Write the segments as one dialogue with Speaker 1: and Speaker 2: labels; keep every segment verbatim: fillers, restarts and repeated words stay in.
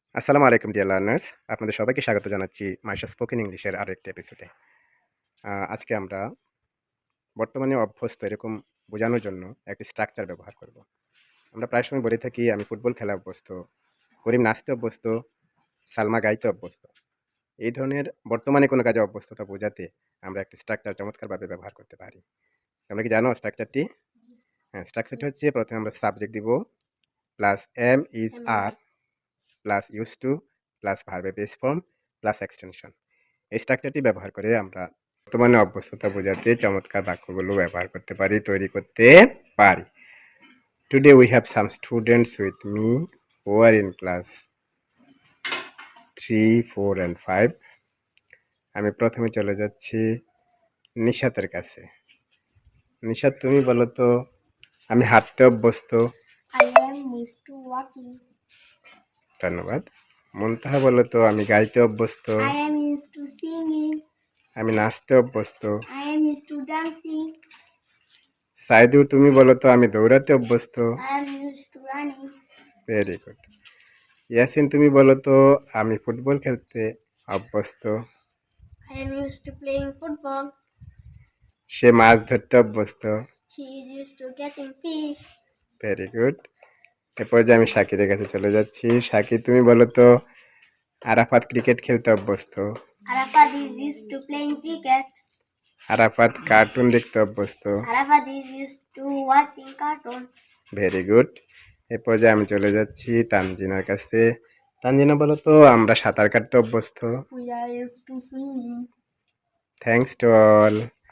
Speaker 1: আসসালামু আলাইকুম dear learners. আপনাদের সবাইকে স্বাগত জানাচ্ছি মাইশা স্পোকেন ইংলিশের আরো একটি এপিসোডে। আ আজকে আমরা বর্তমানে অভ্যস্ত এরকম বোঝানোর জন্য একটি স্ট্রাকচার ব্যবহার করব। আমরা প্রায় সময় বলে থাকি, "আমি ফুটবল খেলা অভ্যস্ত, করিম নাচতে অভ্যস্ত, সালমা গাইতে অভ্যস্ত।" এই ধরনের বর্তমানে কোনো কাজে অভ্যস্ততা বোঝাতে আমরা একটি স্ট্রাকচার চমৎকারভাবে ব্যবহার করতে পারি। তোমরা কি জানো স্ট্রাকচারটি? হ্যাঁ, স্ট্রাকচারটি হচ্ছে প্রথমে আমরা সাবজেক্ট দিব, plus am, is, are, plus use to, plus ভার্বের বেস ফর্ম, প্লাস এক্সটেনশন। এই স্ট্রাকচারটি ব্যবহার করে আমরা বর্তমানে অভ্যস্ততা বোঝাতে চমৎকার বাক্যগুলো ব্যবহার করতে পারি, তৈরি করতে পারি। Today we have some students with me who are in class three, four and five. আমি প্রথমে চলে যাচ্ছি নিশাতের কাছে। নিশাত, তুমি বলো তো, আমি হাঁটতে অভ্যস্ত।
Speaker 2: I am used to walking.
Speaker 1: ধন্যবাদ। মুনতাহা বলো তো, আমি গাইতে অভ্যস্ত।
Speaker 2: I am used to singing.
Speaker 1: আমি নাচতে অভ্যস্ত।
Speaker 2: I am used to dancing.
Speaker 1: Saidu, তুমি বলো তো, আমি দৌড়াতে অভ্যস্ত।
Speaker 2: I am used to running.
Speaker 1: Very good. Yasin, তুমি বলো তো, আমি ফুটবল খেলতে অভ্যস্ত।
Speaker 2: I am used to playing football.
Speaker 1: সে মাছ ধরতে অভ্যস্ত।
Speaker 2: She is used to getting fish.
Speaker 1: Very good. এরপর যে আমি শাকিরের কাছে চলে যাচ্ছি। শাকির, তুমি বলো তো, আরাফাত ক্রিকেট খেলতে অভ্যস্ত।
Speaker 2: Arafat is used to playing cricket.
Speaker 1: Arafat cartoon দেখতে অভ্যস্ত।
Speaker 2: Arafat is used to watching cartoon.
Speaker 1: Very good. এরপর যে আমি চলে যাচ্ছি তানজিনার কাছে। তানজিনা, বলো তো, আমরা সাঁতার কাটতে অভ্যস্ত।
Speaker 2: We are used to swimming.
Speaker 1: Thanks to all.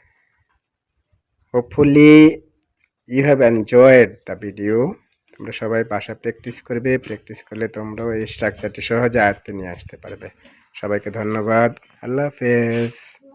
Speaker 1: Hopefully you have enjoyed the video. তোমরা সবাই বাসায় প্র্যাকটিস করবে। প্র্যাকটিস করলে তোমরাও এই স্ট্রাকচারটি সহজে আয়ত্তে নিয়ে আসতে পারবে। সবাইকে ধন্যবাদ। আল্লাহ হাফেজ।